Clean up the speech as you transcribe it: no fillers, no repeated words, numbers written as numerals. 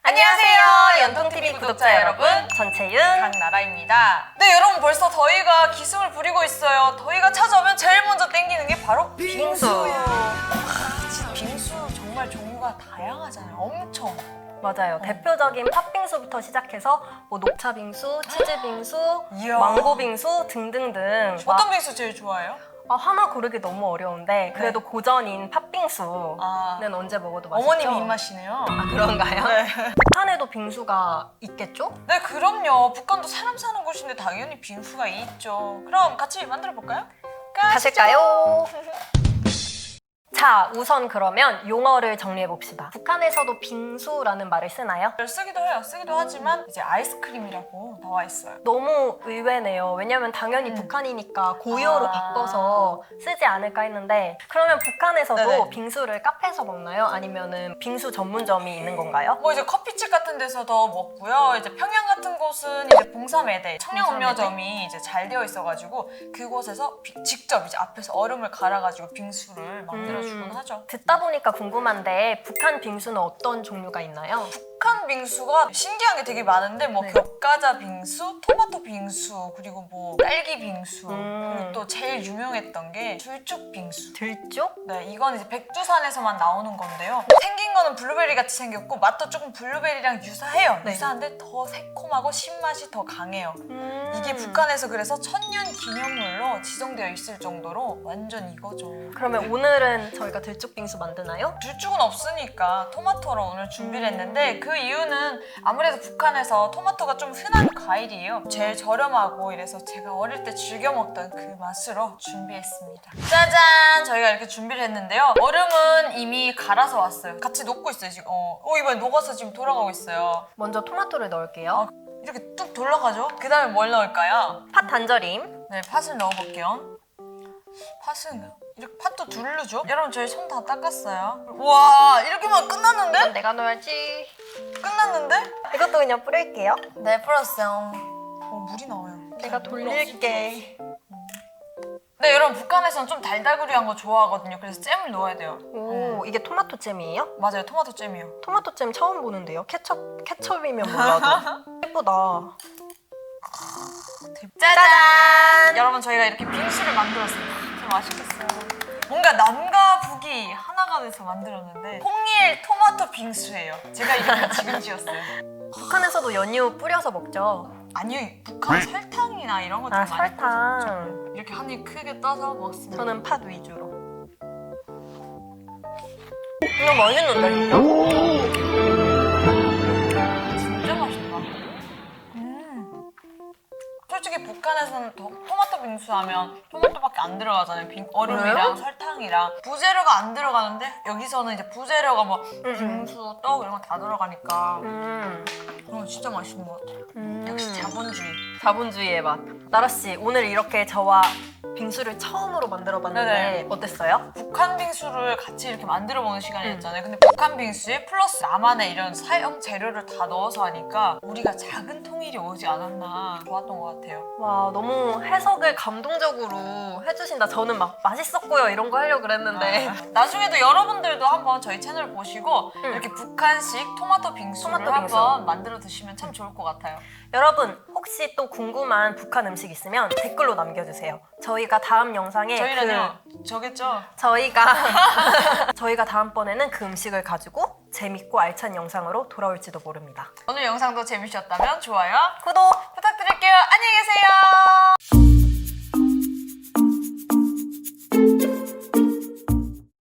안녕하세요, 연통TV 구독자 여러분. 전채윤, 강나라입니다. 네, 여러분 벌써 더위가 기승을 부리고 있어요. 더위가 찾아오면 제일 먼저 땡기는 게 바로 빙수. 진짜 빙수 정말 종류가 다양하잖아요. 엄청. 맞아요. 대표적인 팥빙수부터 시작해서 뭐 녹차빙수, 치즈빙수, 이야. 망고빙수 등등등. 어떤 빙수 제일 좋아해요? 하나 고르기 너무 어려운데 그래도 네. 고전인 팥빙수는 아, 언제 먹어도 맛있죠? 어머님이 입맛이네요. 아, 그런가요? 네. 북한에도 빙수가 있겠죠? 네, 그럼요. 북한도 사람 사는 곳인데 당연히 빙수가 있죠. 그럼 같이 만들어 볼까요? 가실까요? 자, 우선 그러면 용어를 정리해 봅시다. 북한에서도 빙수라는 말을 쓰나요? 쓰기도 해요. 쓰기도 하지만 이제 아이스크림이라고 나와 있어요. 너무 의외네요. 왜냐면 당연히 북한이니까 고유어로 바꿔서 쓰지 않을까 했는데, 그러면 북한에서도 네네. 빙수를 카페에서 먹나요? 아니면은 빙수 전문점이 있는 건가요? 뭐 이제 커피집 같은 데서도 먹고요. 이제 평양 같은 곳은 이제 봉사매대 청량음료점이 이제 잘 되어 있어가지고 그곳에서 직접 이제 앞에서 얼음을 갈아가지고 빙수를 만들어주곤 하죠. 듣다 보니까 궁금한데 북한 빙수는 어떤 종류가 있나요? 북한 빙수가 신기한 게 되게 많은데 뭐 네. 격과자 빙수, 토마토 빙수, 그리고 뭐 딸기 빙수, 그리고 또 제일 유명했던 게 들쭉 빙수. 들쪽? 네, 이건 이제 백두산에서만 나오는 건데요. 생긴 거는 블루베리 같이 생겼고 맛도 조금 블루베리랑 유사해요. 네. 유사한데 더 새콤하고 신맛이 더 강해요. 음. 이게 북한에서 그래서 천년 기념물로 지정되어 있을 정도로 완전 이거죠. 그러면 오늘은 저희가 들쪽 빙수 만드나요? 들쭉은 없으니까 토마토로 오늘 준비를 했는데 그 이유는 아무래도 북한에서 토마토가 좀 흔한 과일이에요. 제일 저렴하고 이래서 제가 어릴 때 즐겨 먹던 그 맛으로 준비했습니다. 짜잔! 저희가 이렇게 준비를 했는데요. 얼음은 이미 갈아서 왔어요. 같이 녹고 있어요 지금. 이번에 녹아서 지금 돌아가고 있어요. 먼저 토마토를 넣을게요. 이렇게 뚝 돌아가죠? 그 다음에 뭘 넣을까요? 팥 단절임. 네, 팥을 넣어볼게요. 팥은 이렇게 팥도 두르죠? 여러분 저희 손 다 닦았어요. 와, 이렇게만 끝났는데? 이건 내가 넣어야지. 끝났는데? 이것도 그냥 뿌릴게요. 네, 풀었어요. 물이 나와요. 내가 돌릴게. 네, 여러분 북한에서는 좀 달달구리한 거 좋아하거든요. 그래서 잼을 넣어야 돼요. 오, 이게 토마토 잼이에요? 맞아요, 토마토 잼이요. 토마토 잼 처음 보는데요. 케첩이면 몰라도. 예쁘다. 짜잔! 여러분 저희가 이렇게 빙수를 만들었어요. 참 맛있겠어요. 뭔가 남과 북이 하나가 돼서 만들었는데 홍일 토마토 빙수예요. 제가 이름을 지금 지었어요. 북한에서도 연유 뿌려서 먹죠. 아니요, 북한 설탕이나 이런 거좀 아, 많이 뿌려서 먹죠. 설탕. 이렇게 한 입 크게 떠서 먹습니다. 저는 팥 위주로. 이거 맛있는데, 진짜? 진짜 맛있다. 솔직히 북한에서는 토마토 빙수 하면 토마토밖에 안 들어가잖아요. 얼음이랑 그래요? 설탕이랑 부재료가 안 들어가는데 여기서는 이제 부재료가 뭐 빙수, 떡 이런 거 다 들어가니까 진짜 맛있는 것 같아요. 역시 자본주의. 자본주의의 맛. 나라씨, 오늘 이렇게 저와 빙수를 처음으로 만들어봤는데 네네. 어땠어요? 북한 빙수를 같이 이렇게 만들어보는 시간이었잖아요. 근데 북한 빙수에 플러스 나만의 이런 사용 재료를 다 넣어서 하니까 우리가 작은 통일이 오지 않았나 좋았던 것 같아요. 와, 너무 해석을 감동적으로 해주신다. 저는 막 맛있었고요 이런 거 하려고 그랬는데. 나중에도 여러분들도 한번 저희 채널 보시고 이렇게 북한식 토마토 빙수를 토마토 빙수. 한번 만들어 드시면 참 좋을 것 같아요. 여러분, 혹시 또 궁금한 북한 음식 있으면 댓글로 남겨주세요. 저희가 다음 영상에 저희는요, 저겠죠? 저희가 다음번에는 그 음식을 가지고 재밌고 알찬 영상으로 돌아올지도 모릅니다. 오늘 영상도 재밌으셨다면 좋아요, 구독! 부탁드릴게요. 안녕히 계세요.